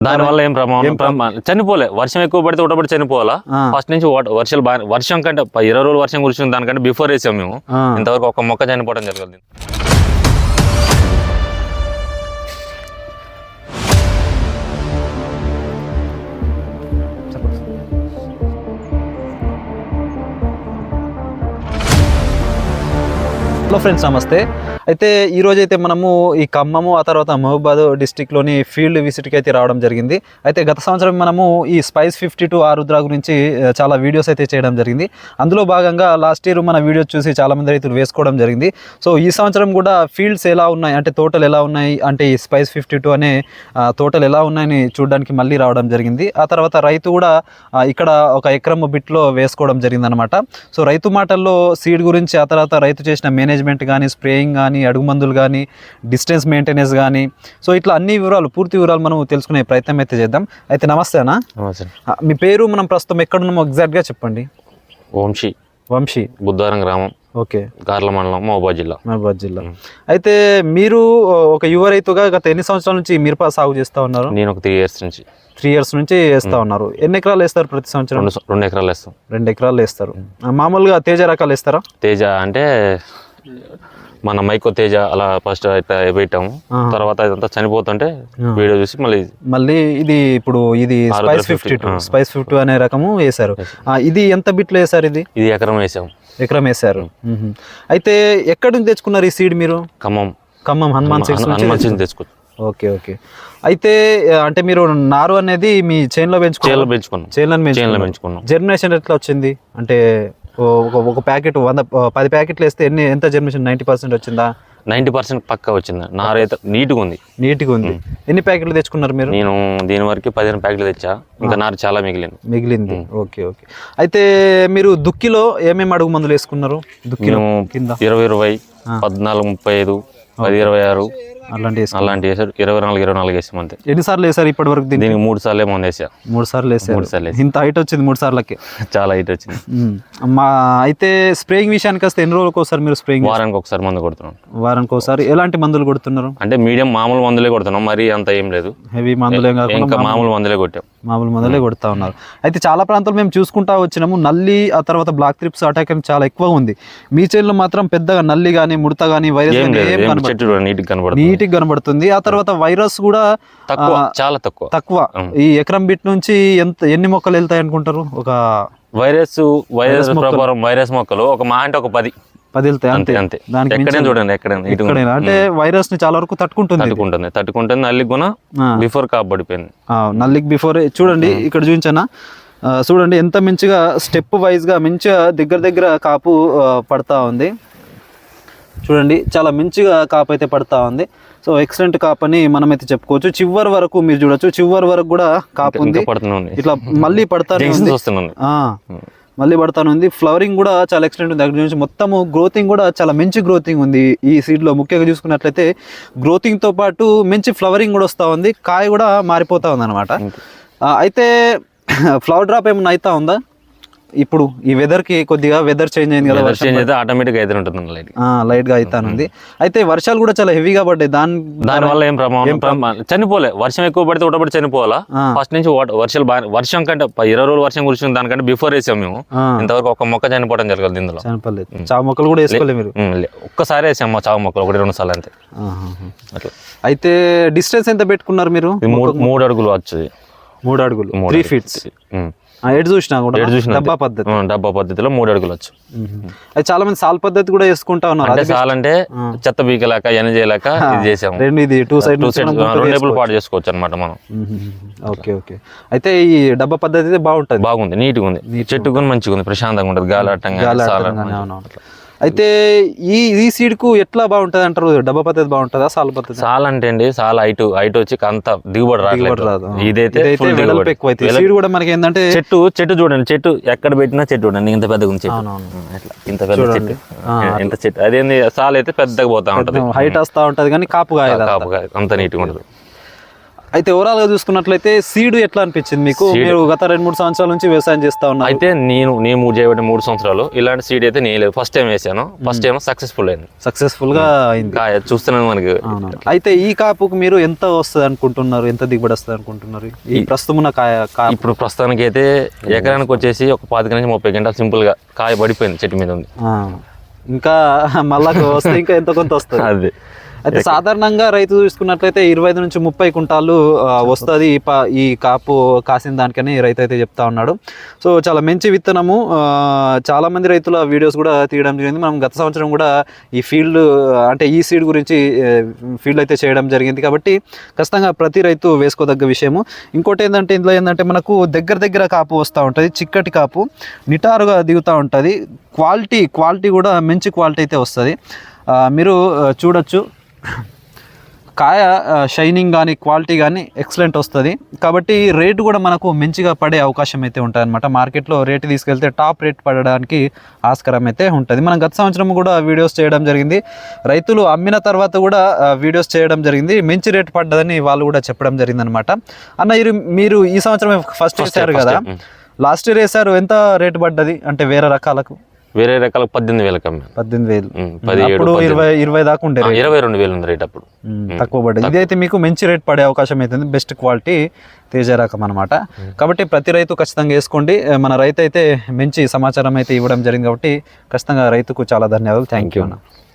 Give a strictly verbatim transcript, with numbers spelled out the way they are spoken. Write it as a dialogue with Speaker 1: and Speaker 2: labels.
Speaker 1: దాని వల్ల ఏం ప్రమాదం చనిపోలే. వర్షం ఎక్కువ పడితే ఒకటప్పుడు చనిపోవాలా. ఫస్ట్ నుంచి వర్షాలు బాగా వర్షం కంటే ఇరవై రోజులు వర్షం కురిసింది దానికంటే బిఫోర్ వేసాం మేము. ఇంతవరకు ఒక మొక్క చనిపోవడం జరగదు.
Speaker 2: హలో ఫ్రెండ్స్, నమస్తే. అయితే ఈరోజు అయితే మనము ఈ ఖమ్మము ఆ తర్వాత మహబూబాద్ డిస్టిక్లోని ఫీల్డ్ విజిట్కి అయితే రావడం జరిగింది. అయితే గత సంవత్సరం మనము ఈ స్పైస్ ఫిఫ్టీ టూ ఆరుద్ర గురించి చాలా వీడియోస్ అయితే చేయడం జరిగింది. అందులో భాగంగా లాస్ట్ ఇయర్ మన వీడియోస్ చూసి చాలామంది రైతులు వేసుకోవడం జరిగింది. సో ఈ సంవత్సరం కూడా ఫీల్డ్స్ ఎలా ఉన్నాయి అంటే తోటలు ఎలా ఉన్నాయి అంటే ఈ స్పైస్ ఫిఫ్టీ టూ అనే తోటలు ఎలా ఉన్నాయని చూడడానికి మళ్ళీ రావడం జరిగింది. ఆ తర్వాత రైతు కూడా ఇక్కడ ఒక ఎకరం బిట్లో వేసుకోవడం జరిగింది అనమాట. సో రైతు మాటల్లో సీడ్ గురించి ఆ తర్వాత రైతు చేసిన మేనేజ్మెంట్ కానీ స్ప్రేయింగ్ కానీ అడుగు మందులు కానీ డిస్టెన్స్ మెయింటెనెన్స్ కానీ సో ఇట్లా అన్ని వివరాలు పూర్తి వివరాలు మనం తెలుసుకునే ప్రయత్నం అయితే చేద్దాం. అయితే నమస్తే అన్న, మీ పేరు మనం ప్రస్తుతం ఎక్కడున్నామో ఎగ్జాక్ట్గా చెప్పండి.
Speaker 1: వంశీ
Speaker 2: వంశీ
Speaker 1: బుద్ధారం గ్రామం,
Speaker 2: ఓకే,
Speaker 1: గార్ల మండలం, మహబూబాద్ జిల్లా.
Speaker 2: మహబూబాద్ జిల్లా. అయితే మీరు ఒక యువ రైతుగా గత ఎన్ని సంవత్సరాల నుంచి మిరప సాగు చేస్తూ ఉన్నారు?
Speaker 1: నేను ఒక త్రీ ఇయర్స్ నుంచి
Speaker 2: త్రీ ఇయర్స్ నుంచి వేస్తూ ఉన్నారు. ఎన్ని ఎకరాలు వేస్తారు ప్రతి సంవత్సరం?
Speaker 1: రెండు ఎకరాలు వేస్తాం.
Speaker 2: రెండు ఎకరాలు వేస్తారు. మామూలుగా తేజ రకాలు వేస్తారా?
Speaker 1: తేజ అంటే మన మైకో తేజ అలా ఫస్ట్ అయితే పెట్టాము. తర్వాత ఇదంతా చనిపోతుంటే వీడియో చూసి మళ్ళీ
Speaker 2: మళ్ళీ ఇది ఇప్పుడు ఇది spice fifty two spice fifty అనే రకము వేశారు. ఇది ఎంత బిట్లో వేశారు? ఇది
Speaker 1: ఇది ఎకరం వేసాము.
Speaker 2: ఎకరం వేశారు. అయితే ఎక్కడి నుంచి తెచ్చుకున్నారు ఈ సీడ్ మీరు?
Speaker 1: ఖమ్మం.
Speaker 2: ఖమ్మం హనుమాన్ సీడ్స్
Speaker 1: నుంచి తెచ్చుకోవచ్చు. Okay
Speaker 2: okay. అయితే అంటే మీరు నారు అనేది మీ చేనులో పెంచుకున్నారు?
Speaker 1: పెంచుకున్నాం.
Speaker 2: చేనులో పెంచుకున్నాం. జర్మినేషన్ ఎట్లా వచ్చింది? అంటే ఒక ఒక ప్యాకెట్ వంద పది ప్యాకెట్లు వేస్తే ఎన్ని ఎంత జర్మినేషన్? నైంటీ పర్సెంట్ వచ్చిందా?
Speaker 1: నైంటీ పర్సెంట్ పక్కా వచ్చింది. నారు అయితే నీట్గా ఉంది.
Speaker 2: నీట్గా ఉంది. ఎన్ని ప్యాకెట్లు తెచ్చుకున్నారు మీరు?
Speaker 1: నేను దీని వరకు పదిహేను ప్యాకెట్లు తెచ్చా. ఇంకా నారు చాలా మిగిలింది.
Speaker 2: మిగిలింది ఓకే ఓకే. అయితే మీరు దుక్కిలో ఏమేమి అడుగు మందులు వేసుకున్నారు? దుక్కిలో కింద
Speaker 1: ఇరవై ఇరవై పద్నాలుగు ముప్పై ఐదు పది ఇరవై ఆరు
Speaker 2: అలాంటి
Speaker 1: అలాంటి వేసారు. ఇరవై నాలుగు ఇరవై నాలుగు వేసాం అంతే.
Speaker 2: ఎన్నిసార్లు వేసారు ఇప్పటి వరకు?
Speaker 1: దీనికి మూడు సార్లు ఏమో వేసా.
Speaker 2: మూడు సార్లు వేసారు. మూడు సార్లు ఇంత హైట్ వచ్చింది మూడు సార్లకి.
Speaker 1: చాలా హైట్ వచ్చింది.
Speaker 2: మా అయితే స్ప్రేయింగ్ విషయానికి వస్తే ఎన్ని రోజులకు ఒకసారి మీరు స్ప్రేయింగ్?
Speaker 1: వారానికి ఒకసారి మందు కొడుతున్నాం.
Speaker 2: వారానికి ఒకసారి. ఎలాంటి మందులు కొడుతున్నారు?
Speaker 1: అంటే మీడియం మామూలు మందులే కొడుతున్నాం, మరి అంత ఏం లేదు.
Speaker 2: హెవీ మందులే
Speaker 1: ఇంకా మామూలు మందులే కొట్టాం.
Speaker 2: మామూలు మందులే కొడతా ఉన్నారు. అయితే చాలా ప్రాంతాలు మేము చూసుకుంటా వచ్చినాము, నల్లి ఆ తర్వాత బ్లాక్ త్రిప్స్ అటాక్ అని చాలా ఎక్కువ ఉంది. మీ చేనులో మాత్రం పెద్దగా నల్లి కానీ ముడత కానీ వైరస్ నీట్గా కనబడుతుంది. ఆ తర్వాత వైరస్ కూడా
Speaker 1: తక్కువ, చాలా తక్కువ
Speaker 2: తక్కువ. ఈ ఎకరం బిట్ నుంచి ఎంత ఎన్ని మొక్కలు వెళ్తాయి అనుకుంటారు? ఒక
Speaker 1: వైరస్ వైరస్ ప్రకారం వైరస్ మొక్కలు ఒక మా అంటే ఒక పది పది వెళ్తాయి అంతే అంతే. దానికి ఎక్కడైనా చూడండి, ఎక్కడైనా
Speaker 2: అంటే వైరస్ ని చాలా వరకు తట్టుకుంటుంది
Speaker 1: తట్టుకుంటుంది తట్టుకుంటుంది నల్లికి కూడా బిఫోర్ కాపు పడిపోయింది.
Speaker 2: నల్లికి బిఫోర్ చూడండి, ఇక్కడ చూపించానా? చూడండి ఎంత మంచిగా స్టెప్ వైజ్ గా మంచిగా దగ్గర దగ్గర కాపు పడతా ఉంది. చూడండి చాలా మంచిగా కాపు అయితే పడతా ఉంది. సో ఎక్సలెంట్ కాపు అని మనమైతే చెప్పుకోవచ్చు. చివరి వరకు మీరు చూడొచ్చు, చివరి వరకు కూడా కాపు ఉంది. ఇట్లా మళ్ళీ పడతానే మళ్ళీ పడతాను ఉంది. ఫ్లవరింగ్ కూడా చాలా ఎక్సలెంట్ ఉంది. దగ్గర నుంచి మొత్తము గ్రోతింగ్ కూడా చాలా మంచి గ్రోతింగ్ ఉంది ఈ సీడ్లో. ముఖ్యంగా చూసుకున్నట్లయితే గ్రోతింగ్తో పాటు మంచి ఫ్లవరింగ్ కూడా వస్తూ ఉంది. కాయ కూడా మారిపోతూ ఉంది అనమాట. అయితే ఫ్లవర్ డ్రాప్ ఏమన్నా అవుతా ఉందా? ఇప్పుడు ఈ వెదర్ కి కొద్దిగా వెదర్ చేంజ్ అయింది కదా,
Speaker 1: చేంజ్ అయితే ఆటోమేటిక్ అయితే ఉంటుంది, లైట్
Speaker 2: లైట్ గా అవుతానుంది. అయితే వర్షాలు కూడా చాలా హెవీగా పడ్డాయి. దాని
Speaker 1: దాని వల్ల ఏం ప్రమాదం చనిపోలే. వర్షం ఎక్కువ పడితే ఒకటప్పుడు చనిపోవాలా. ఫస్ట్ నుంచి వర్షాలు బాగా వర్షం కంటే ఇరవై రోజులు వర్షం కురిసింది దానికంటే బిఫోర్ వేసాం మేము. ఇంతవరకు ఒక మొక్క చనిపోవడం జరగదు. ఇందులో
Speaker 2: చనిపోలేదు. చావు మొక్కలు కూడా వేసుకోలేదు మీరు?
Speaker 1: ఒక్కసారి వేసాం మా చావు మొక్కలు, ఒకటి రెండు సార్లు అంతే.
Speaker 2: అట్లా. అయితే డిస్టెన్స్ ఎంత పెట్టుకున్నారు మీరు?
Speaker 1: మూడు అడుగులు వచ్చేది.
Speaker 2: మూడు అడుగులు త్రీ ఫీట్స్ ఎటు చూసినా కూడా డబ్బా పద్ధతి
Speaker 1: డబ్బా పద్ధతిలో మూడు అడుగులు వచ్చు.
Speaker 2: అది చాలా మంది సాల్ పద్ధతి కూడా వేసుకుంటా ఉన్నారు.
Speaker 1: అంటే సాల్ అంటే చెత్త బీకలేక ఎన చేయలేక ఇది చేసాము.
Speaker 2: రెండు ఇది టూ సైడ్
Speaker 1: టూ సైడ్ రెండు పాటు చేసుకోవచ్చు అనమాట మనం.
Speaker 2: Okay okay. అయితే ఈ డబ్బా పద్ధతి అయితే బాగుంటుంది,
Speaker 1: బాగుంది, నీట్గా ఉంది, చెట్టు కూడా మంచిగా ఉంది, ప్రశాంతంగా ఉంటుంది, గాలి ఆటంగా.
Speaker 2: అయితే ఈ ఈ సీడ్ కు ఎట్లా బాగుంటది అంటారు? డబ్బా పద్ధతి బాగుంటుందా సాల్ పద్ధతి?
Speaker 1: సాల్ అంటే అండి సాల్ హైట్ హైట్ వచ్చి అంత దిగుబడి రాదు. ఇదైతే
Speaker 2: సీడ్ కూడా మనకి ఏంటంటే
Speaker 1: చెట్టు చెట్టు చూడండి, చెట్టు ఎక్కడ పెట్టినా చెట్టు చూడండి ఇంత పెద్దగా ఉంది చెట్టు. అట్లా ఇంత పెద్ద చెట్టు, ఇంత చెట్టు. అదేంది సాల్ అయితే పెద్దగా పోతా ఉంటది,
Speaker 2: హైట్ వస్తా ఉంటది కానీ కాపు కాయ
Speaker 1: కాపు కాయ అంత నీట్గా ఉంటుంది.
Speaker 2: అయితే ఓవరాల్ గా చూసుకున్నట్లయితే సీడ్ ఎట్లా అనిపించింది మీకు? మీరు గత రెండు మూడు సంవత్సరాల నుంచి వ్యవసాయం చేస్తా ఉన్నారు.
Speaker 1: అయితే నేను నేను మూడు చేయబట్టి మూడు సంవత్సరాలు ఇలాంటి సీడ్ అయితే నేను లేదు. ఫస్ట్ టైం వేసాను, ఫస్ట్ టైం సక్సెస్ఫుల్ అయింది.
Speaker 2: సక్సెస్ఫుల్ గా అయింది.
Speaker 1: చూస్తున్నాను మనకి.
Speaker 2: అయితే ఈ కాపుకు మీరు ఎంత వస్తుంది అనుకుంటున్నారు, ఎంత దిగుబడి వస్తుంది అనుకుంటున్నారు ఈ ప్రస్తుతం ఉన్న కాయ?
Speaker 1: ఇప్పుడు ప్రస్తుతానికి అయితే ఎకరానికి వచ్చేసి ఒక పాతిక నుంచి ముప్పై గంటలు సింపుల్ గా కాయ పడిపోయింది, చెట్టు మీద ఉంది.
Speaker 2: ఇంకా మళ్ళా వస్తే ఇంకా ఎంత కొంత వస్తుంది.
Speaker 1: అదే
Speaker 2: అయితే సాధారణంగా రైతు చూసుకున్నట్లయితే ఇరవై ఐదు నుంచి ముప్పై కుంటాలు వస్తుంది ఈ పా ఈ కాపు కాసిన దానికని రైతు అయితే చెప్తా ఉన్నాడు. సో చాలా మంచి విత్తనము. చాలా మంది రైతుల వీడియోస్ కూడా తీయడం జరిగింది. మనం గత సంవత్సరం కూడా ఈ ఫీల్డ్ అంటే ఈ సీడ్ గురించి ఫీల్డ్ అయితే చేయడం జరిగింది. కాబట్టి ఖచ్చితంగా ప్రతి రైతు వేసుకోదగ్గ విషయము. ఇంకోటి ఏంటంటే ఇందులో ఏంటంటే మనకు దగ్గర దగ్గర కాపు వస్తూ ఉంటుంది, చిక్కటి కాపు నిటారుగా దిగుతూ ఉంటుంది. క్వాలిటీ క్వాలిటీ కూడా మంచి క్వాలిటీ అయితే వస్తుంది. మీరు చూడొచ్చు కాయ షైనింగ్ కానీ క్వాలిటీ కానీ ఎక్సలెంట్ వస్తుంది. కాబట్టి రేటు కూడా మనకు మంచిగా పడే అవకాశం అయితే ఉంటుంది అనమాట. మార్కెట్లో రేటు తీసుకెళ్తే టాప్ రేట్ పడడానికి ఆస్కారం అయితే ఉంటుంది. మనం గత సంవత్సరం కూడా వీడియోస్ చేయడం జరిగింది. రైతులు అమ్మిన తర్వాత కూడా వీడియోస్ చేయడం జరిగింది. మంచి రేటు పడ్డదని వాళ్ళు కూడా చెప్పడం జరిగింది అనమాట. అన్న మీరు ఈ సంవత్సరం ఫస్ట్ వేసారు కదా, లాస్ట్ ఇయర్ వేసారు, ఎంత రేటు పడ్డది అంటే వేరే రకాలకు?
Speaker 1: వేరే రకాల పద్దెనిమిది వేలకు అమ్మాయి.
Speaker 2: పద్దెనిమిది వేలు
Speaker 1: పదిహేడు
Speaker 2: ఇరవై ఇరవై దాకా ఉండే,
Speaker 1: ఇరవై రెండు వేలు ఉంది రేట్ అప్పుడు.
Speaker 2: తక్కువ పడ్డది. ఇదైతే మీకు మంచి రేట్ పడే అవకాశం అవుతుంది. బెస్ట్ క్వాలిటీ తేజ రకం అనమాట. కాబట్టి ప్రతి రైతు ఖచ్చితంగా వేసుకోండి. మన రైతు అయితే మంచి సమాచారం అయితే ఇవ్వడం జరిగింది. కాబట్టి ఖచ్చితంగా రైతుకు చాలా ధన్యవాదాలు. థ్యాంక్ యూ అన్న.